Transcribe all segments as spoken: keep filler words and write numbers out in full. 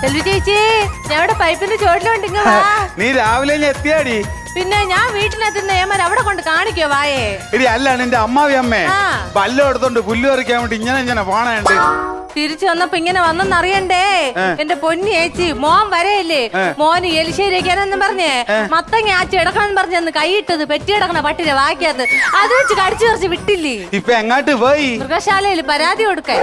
ചേച്ചി ഞാൻ പൈപ്പിന്റെ ചോട്ടിലുണ്ട്. നീ രാവിലെ എത്തിയാടി? പിന്നെ ഞാൻ വീട്ടിലെത്തുന്ന ഏമാൻ അവിടെ കൊണ്ട് കാണിക്കോ വായേ. എടി അല്ലാണ് എന്റെ അമ്മാവി അമ്മേ പല്ല് എടുത്തോണ്ട് പുല്ല് പറിക്കാൻ വേണ്ടി ഇങ്ങനെ ഇങ്ങനെ പോണുണ്ട്. തിരിച്ചു വന്നപ്പോ ഇങ്ങനെ വന്നെന്നറിയണ്ടേ എന്റെ പൊന്നി ചേച്ചി. മോൻ വരെയല്ലേ മോന് എലിശ്ശേരിക്കാനെന്നും പറഞ്ഞേ മത്തങ്ങ ആച്ചി എടുക്കണം പറഞ്ഞന്ന് കൈയിട്ടത് പെറ്റി കിടക്കണ പട്ടിനെ വാക്കിയത് അത് വെച്ച് കടിച്ചു കുറച്ച് വിട്ടില്ലേ. ഇപ്പൊ എങ്ങാട്ട് പോയി? മൃഗശാലയിൽ പരാതി കൊടുക്കാൻ.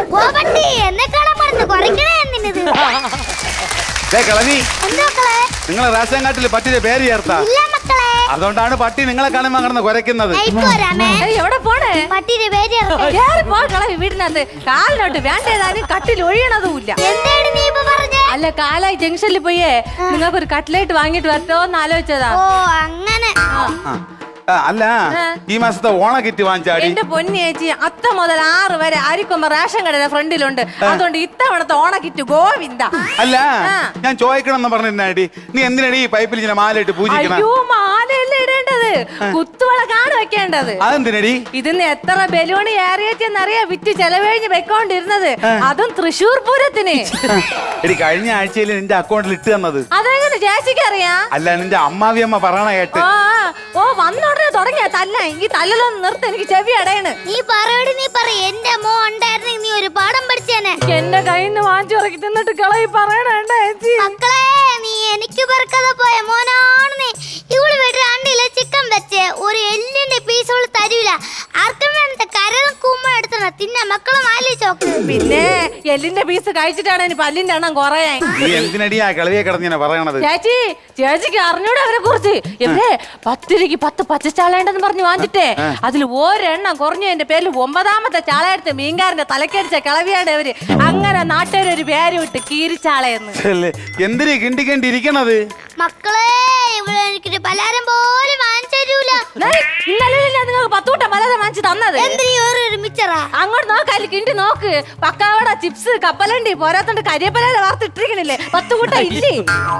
നിങ്ങളെ റേഷൻ കാർഡിൽ പട്ടിയുടെ പേര് ചേർത്താ അതുകൊണ്ടാണ് പട്ടി നിങ്ങളെ കാണുമ്പോ അങ്ങനെ കുരയ്ക്കുന്നത്. എവിടെ പോണേ? വീടിനകത്ത് കാലിനോട്ട് വേണ്ടേതാനും കട്ടിൽ ഒഴിയണതുമില്ല. അല്ല കാലായി ജംഗ്ഷനിൽ പോയേ നിങ്ങൾക്ക് ഒരു കട്ട്ലേറ്റ് വാങ്ങിട്ട് വരട്ടോന്ന് ആലോചിച്ചതാ. അല്ല ഈ മാസത്തെ ഓണ കിറ്റ് വാങ്ങിച്ചാടി? എന്റെ പൊന്നി ചേച്ചി അത്ത മുതൽ ആറ് വരെ അരിക്കൊമ്പ റേഷൻ കടയുടെ ഫ്രണ്ടിലുണ്ട്. അതുകൊണ്ട് ഇത്തവണത്തെ ഓണ കിറ്റ് ഗോവിന്ദ. അല്ല ഞാൻ ചോദിക്കണം എന്ന് പറഞ്ഞിരുന്നാടി നീ എന്തിനാണ് ഈ പൈപ്പിൽ ഇങ്ങനെ മാലയിട്ട് പൂജിക്കണം? അയ്യോ മാലയല്ലേ ഇടേണ്ടത്, കുത്തുവിളക്കാണ് വെക്കേണ്ടത്. അതെന്തിനടി? ഇതിന്ന് എത്ര ബലൂണ് ഏറിയെന്നറിയാ വിറ്റ് ചെലവഴിഞ്ഞ് വെക്കോണ്ടിരുന്നത്, അതും തൃശ്ശൂർ പൂരത്തിന്. എടി കഴിഞ്ഞ ആഴ്ചയിൽ നിന്റെ അക്കൗണ്ടിൽ ഇട്ട് തന്നത് അതെങ്ങനെ ചേച്ചിക്ക് അറിയാ? അല്ല നിന്റെ അമ്മാവി അമ്മ പറയണ കേട്ട്. ഓ വന്നോടനെ തുടങ്ങിയ തല്ല ഈ തല്ലലൊന്നും നിർത്ത്, എനിക്ക് ചെവി അടയണ്. നീ പറയടി നീ പറ. എന്റെ മോ ഉണ്ടായിരുന്നെങ്കിൽ നീ ഒരു പാഠം പഠിച്ചേനെ. എന്റെ കയ്യിൽ നിന്ന് വാങ്ങിച്ചു ഇറക്കി തിന്നിട്ട് കളയി പറയണേണ്ട ചേച്ചി. മക്കളെ നീ എനിക്ക് പെറുക്കാതെ പോയ മോനാണ് നീ. ഇവള് വീട്ടിൽ രണ്ടിലെ ചിക്കൻ വെച്ച് ഒരു എല്ലിന്റെ പീസ് അവള് തരൂല. ആർക്കും വേണ്ട കരളും കൂമ്പ എടുത്തണ തിന്നെ മക്കളെ മാലി ചോക്ക്. പിന്നെ എല്ലിന്റെ പീസ് കഴിച്ചിട്ടാണ് ഇനി പല്ലിന്റെ എണ്ണം കുറയാൻ. എന്തിനടിയാ കളിയെ കിടന്നിങ്ങനെ പറയണത്? ചേച്ചി ചേച്ചിക്ക് അറിഞ്ഞൂടെ അവരെ കുറിച്ച്? ഇവരെ പത്തിരിക്ക് പത്ത് പച്ചച്ചാളേണ്ടെന്ന് പറഞ്ഞു വാങ്ങിച്ചിട്ടേ അതിൽ ഒരെണ്ണം കുറഞ്ഞു എന്റെ പേരിൽ ഒമ്പതാമത്തെ ചാളയെടുത്ത് മീൻകാരന്റെ തലക്കടിച്ച കിളവിയാണ് അവര്. അങ്ങനെ നാട്ടുകാരൊരു പേര് വിട്ട് കീരിച്ചാളയെന്ന്. എന്തിനു കിണ്ടി കണ്ടി ഇരിക്കണത്? മക്കളെ ഇവിടെ എനിക്കൊരു പലഹാരം പോലും വാങ്ങിച്ചു തരൂല. ഇന്നലെ നിങ്ങൾക്ക് പത്തൂട്ടം പലഹാരം വാങ്ങിച്ചു തന്നത്. മിച്ചറാ അങ്ങോട്ട് നോക്കാല് കിണ്ടി നോക്ക്. പക്കാവട ചിപ്സ് കപ്പലണ്ടി പോരാത്തോണ്ട് കരിയപ്പല വാർത്തിട്ടിരിക്കണില്ലേ പത്ത് കൂട്ടം ഇല്ലേ?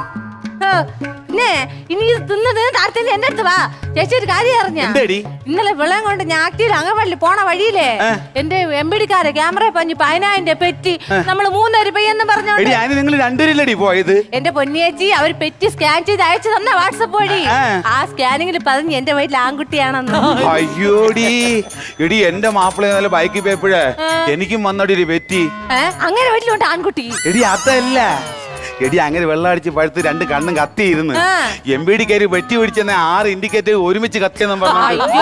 പിന്നെ ഇനി ഇത് തിന്നത് താരത്തിന്റെ എന്റെ അടുത്ത് വാ. ചേച്ചി ഒരു കാര്യം അറിഞ്ഞ ഇന്നലെ വെള്ളം കൊണ്ട് ഞാറ്റിയിൽ അങ്ങവള്ളി പോണ വഴിയില്ലേ എന്റെ എംപിടിക്കാരെ ക്യാമറ പഞ്ഞു പതിനായിരം പെറ്റി നമ്മള് മൂന്നര പെയ്യെന്ന് പറഞ്ഞോണ്ട് പോയത്. എന്റെ പൊന്നിയേച്ചി അവര് പെറ്റി സ്കാൻ ചെയ്ത് അയച്ചു തന്ന വാട്സപ്പ് വഴി. ആ സ്കാനിങ്ങിൽ പറഞ്ഞ് എന്റെ വീട്ടിൽ ആൺകുട്ടിയാണെന്ന്. അയ്യോടി എടി എന്റെ മാപ്പിള ബൈക്കിൽ പോയപ്പോഴേ എനിക്കും വന്നോടി പെറ്റി. അങ്ങനെ വീട്ടിലുണ്ട് ആൺകുട്ടി. എടി അതല്ല എടി അങ്ങനെ വെള്ളം അടിച്ച് പഴുത്ത് രണ്ട് കണ്ണും കത്തിയിരുന്നു. എം ബി ഡി കയറി വെട്ടി പിടിച്ചെന്ന ആറ് ഇൻഡിക്കേറ്റർ ഒരുമിച്ച് കത്തിയെന്നും പറഞ്ഞു.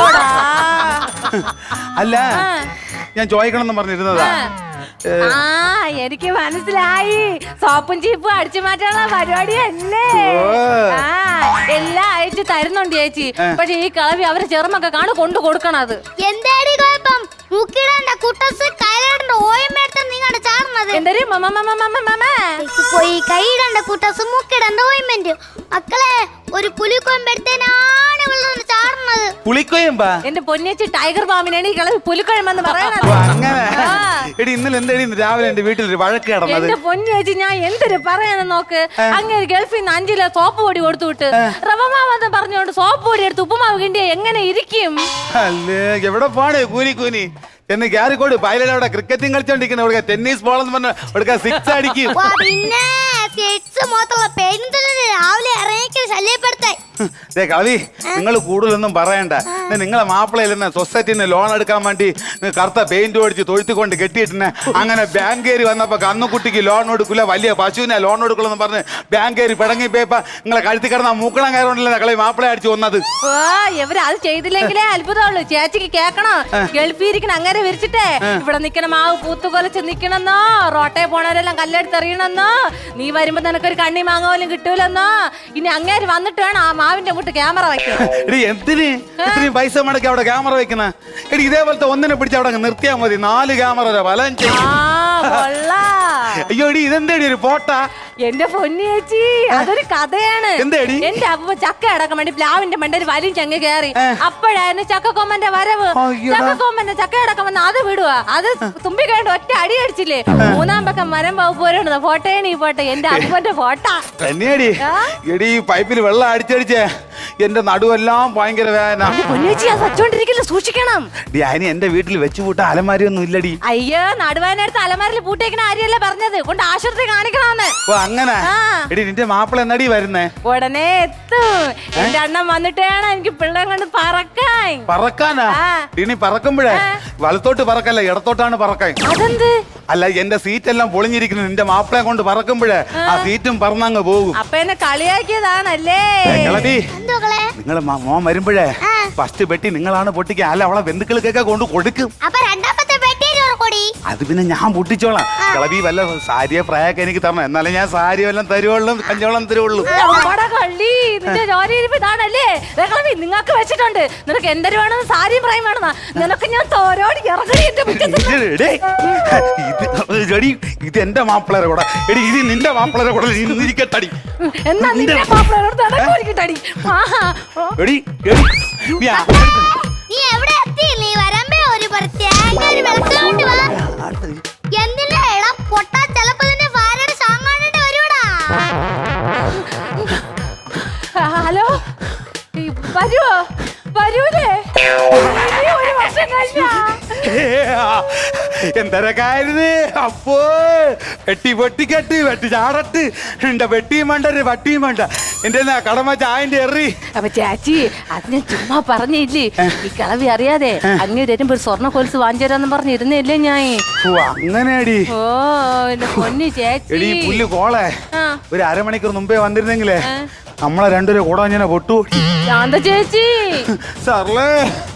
അല്ല ഞാൻ ചോദിക്കണം പറഞ്ഞിരുന്നതാ. ആ എനിക്ക് മനസ്സിലായി. സോപ്പും ചീപ്പും അടിച്ചു മാറ്റാനുള്ള പരിപാടിയല്ലേ? ആ എല്ലാം അയച്ചു തരുന്നുണ്ട് ചേച്ചി. പക്ഷെ ഈ കളവി അവരെ ചെറുമൊക്കെ കാണു കൊണ്ടു കൊടുക്കണത്. എന്താടി കുഴപ്പം? മുക്കിടേണ്ട കുട്ടസ് കൈയിടേണ്ട ഓയമ്മേട്ടൻ നിങ്ങളുടെ ചാർന്നത് എന്തേ പോയി കൈയിടേണ്ട കുട്ടസ് മുക്കിടേണ്ട ഓയിന്മെന്റ്. മക്കളെ ഒരു പുലിക്കൊമ്പെടുത്തേനാണ് ഇവിടെ ചാർന്നത്. പുലിക്കൊയമ്പാ? എന്റെ പൊന്നേച്ചി ടൈഗർ പാമ്പിനാണ് ഈ കളവി പുലിക്കൊഴമ്പെന്ന് പറയണത്. അങ്ങനെ എടി ഇന്നലെ എന്താടി രാവിലെ എന്റെ വീട്ടിൽ ഒരു വഴക്ക് നടന്നത്? എന്റെ പൊന്നേച്ചി ഞാൻ എന്തൊരു പറയാന്ന് നോക്ക്. അങ്ങനെ ഗൾഫിൽ നിന്ന് അഞ്ചിലെ സോപ്പ് പൊടി കൊടുത്തു വിട്ട് റവമാവെന്ന് പറഞ്ഞുകൊണ്ട് സോപ്പ് പൊടി എടുത്ത് ഉപ്പുമാവ് കിണ്ടിയ എങ്ങനെ ഇരിക്കും? അല്ലേ എവിടെ പോണേ കൂനി കൂനി എന്ന് ക്യാരിക്കോട് പൈലവിടെ ക്രിക്കറ്റും കളിച്ചോണ്ടിരിക്കുന്ന ഇവിടെ ടെന്നീസ് ബോളെന്ന് പറഞ്ഞ ഇവിടെ സിക്സ് അടിക്കും. പിന്നെ രാവിലെ ഇറങ്ങി ശല്യപ്പെടുത്താൻ കളി നിങ്ങൾ കൂടുതലൊന്നും പറയണ്ട. നിങ്ങളെ മാപ്പിളയിൽ സൊസൈറ്റിന്ന് ലോൺ എടുക്കാൻ വേണ്ടി കറുത്ത പെയിന്റ് ഓടിച്ച് തൊഴുത്തിക്കൊണ്ട് കെട്ടിയിട്ടിനെ അങ്ങനെ ബാങ്ക് കയറി വന്നപ്പോ കന്നുകുട്ടിക്ക് ലോൺ കൊടുക്കില്ല വലിയ പശുവിനെ ലോൺ കൊടുക്കുള്ളൂ പറഞ്ഞ് ബാങ്ക് കയറി പിടങ്ങി പോയപ്പോ നിങ്ങളെ കഴുത്തി കിടന്ന മൂക്കണം കയറുണ്ടല്ലേ കളി മാപ്പിളെ അടിച്ചു വന്നത്. ഇവര് അത് ചെയ്തില്ലെങ്കിലേ അത്ഭുതമുള്ളൂ. ചേച്ചിക്ക് കേക്കണം ഗൾഫിൽ ഇരിക്കണം അങ്ങനെ വിരിച്ചിട്ടേ ഇവിടെ നിക്കണ മാവ് പൂത്തുകൊലച്ച് നിക്കണെന്നോ റോട്ടയെ പോണവരെല്ലാം കല്ലെടുത്തെറിയണമെന്നോ നീ വരുമ്പോ നിനക്കൊരു കണ്ണി മാങ്ങ പോലും കിട്ടൂലെന്നോ. ഇനി അങ്ങേര് വന്നിട്ട് വേണം ആ മാവിന്റെ മുട്ട് ക്യാമറ വെക്കാൻ. എന്തിന് ഇത്രയും പൈസ മുടക്കി അവിടെ ക്യാമറ വെക്കുന്ന? എടി ഇതേപോലത്തെ ഒന്നിനെ പിടിച്ച് അവിടെ നിർത്തിയാൽ മതി. നാല് ക്യാമറ വലം ചെയ്യും. അയ്യോ എടി ഇതെന്തേടി ഒരു ഫോട്ടോ? എന്റെ പൊന്നി ചേച്ചി അതൊരു കഥയാണ്. എന്തേടി? എന്റെ അപ്പ ചക്ക അടക്കാൻ വേണ്ടി പ്ലാവിന്റെ മണ്ടയിൽ വലിയും ചങ്ങ കയറി. അപ്പോഴായിരുന്നു ചക്കക്കൊമ്പന്റെ വരവ്. ചക്കക്കൊമ്പന്റെ ചക്ക അടക്കം വന്ന് അത് വിടുക. അത് തുമ്പി കഴിഞ്ഞ ഒറ്റ അടി അടിച്ചില്ലേ. മൂന്നാം പക്കം മരം പോരുന്നത് ഫോട്ടോയാണ് ഈ ഫോട്ടോ. എന്റെ അപ്പന്റെ ഫോട്ടോ തന്നെയാടി. എടി പൈപ്പിൽ വെള്ളം അടിച്ചടിച്ചേ എന്റെ നടുവെല്ലാം ഭയങ്കര വേദന. പൊന്നേച്ചി അത് വച്ചോണ്ടിരിക്കില്ല, സൂക്ഷിക്കണം. ഡി അതിന് എന്റെ വീട്ടിൽ വെച്ച് കൂട്ട അലമാരി ഒന്നും ഇല്ലടി. അയ്യോ, നടുവേനടുത്ത് അലമാരിൽ പൂട്ടേക്കണ ആര്യല്ല പറഞ്ഞത്, കൊണ്ട് ആശുപത്രി കാണിക്കണമെന്ന്. ഓ അങ്ങനെ. ആ. എടി നിന്റെ മാപ്പിള എന്നടി വരുന്നേ? ഉടനെ എത്തും. എന്റെ അണ്ണൻ വന്നിട്ടാണ് എനിക്ക് പിള്ളേം കൊണ്ട് പറക്കാൻ. പറക്കാനാ? ആ. ഇനി പറക്കുമ്പോഴേ വലത്തോട്ട് പറക്കല്ല, ഇടത്തോട്ടാണ് പറക്കാൻ. അതെന്ത്? അല്ല, എന്റെ സീറ്റ് എല്ലാം പൊളിഞ്ഞിരിക്കുന്നു. നിന്റെ മാപ്പിളയെ കൊണ്ട് പറക്കുമ്പോഴേ ആ സീറ്റും പറന്നങ്ങ് പോകും. അപ്പൊ എന്നെ കളിയാക്കിയതാണല്ലേ? കിളവി, എന്തുകളെ നിങ്ങൾ മോൻ വരുമ്പോഴേ ഫസ്റ്റ് പെട്ടി നിങ്ങളാണ് പൊട്ടിക്കുക. അല്ല, അവളെ ബന്ധുക്കൾക്കൊക്കെ കൊണ്ട് കൊടുക്കും. അപ്പൊ രണ്ടാമത്തെ പെട്ടി കൊടി അത് പിന്നെ ഞാൻ പൊട്ടിച്ചോളാം. കിളവി വല്ല സാരിയെ പ്രായൊക്കെ എനിക്ക് തരണം, എന്നാലേ ഞാൻ സാരി വല്ലതും തരുവുള്ളൂ, കഞ്ചോളം തരുവുള്ളൂ. നമ്മുടെ കള്ളി, നിന്റെ ജോലി ഇരിപ്പ് ഇതാണല്ലേ? ദേ കളവി, നിങ്ങക്ക് വെച്ചിട്ടുണ്ട്. നിനക്ക് എന്തൊരു വേണമെന്ന്, സാരിയും പ്രായം വേണമെന്നാ. നിനക്ക് ഞാൻ തോരോടി ഇറങ്ങി എന്റെ മുറ്റത്ത്. ഇത് ഇത് എടി, ഇത് എന്റെ മാപ്പിളരെ കൂടെ. എടി, ഇത് നിന്റെ മാപ്പിളരെ കൂടെ ഇരിക്കട്ടടി. എന്നാ നിന്റെ മാപ്പിളയോട് നടക്കൂരിക്കട്ടടി. എടി എടി നീ ആ- നീ എവിടെ എത്തി? നീ വരമ്പേ ഒരു പ്രത്യേക ഒരു വെളുത്തോണ്ട് വാ. എന്തിനാ എടാ പൊട്ടാ, ചെലപ്പോ നിന്റെ ഭാര്യയുടെ സാങ്ങാണ്ട് വരൂടാ. ഹലോ, ഈ വരുവോ? വരൂലേ? ഇനി ഒരു വർഷം കഴിഞ്ഞാ എന്തരക്കായിരുന്നു അപ്പോ? വെട്ടി പൊട്ടിക്കെട്ട് വെട്ടി ചാടട്ട് എന്റെ വെട്ടിയും വേണ്ട, ഒരു വട്ടിയും വേണ്ട. എന്റെ കടമ ചായന്റെ എറി. അപ്പൊ ചാച്ചി, അത് ഞാൻ ചുമ്മാ പറഞ്ഞില്ലേ, ഈ കളവി അറിയാതെ അങ്ങ് വരുമ്പോ ഒരു സ്വർണ്ണ കൊലുസ് വാങ്ങിച്ചു തരാന്ന് പറഞ്ഞിരുന്നില്ലേ ഞാൻ. ഓ അങ്ങനെയാടി. ഓ എന്റെ പൊന്നു ചേച്ചി. എടി പുല്ല് കോളെ, ആ. ഒരു അരമണിക്കൂർ മുമ്പേ വന്നിരുന്നെങ്കിലേ നമ്മളെ രണ്ടുപേരെ കൂടെ ഞാൻ പൊട്ടു. ശാന്ത ചേച്ചി. സാറല്ലേ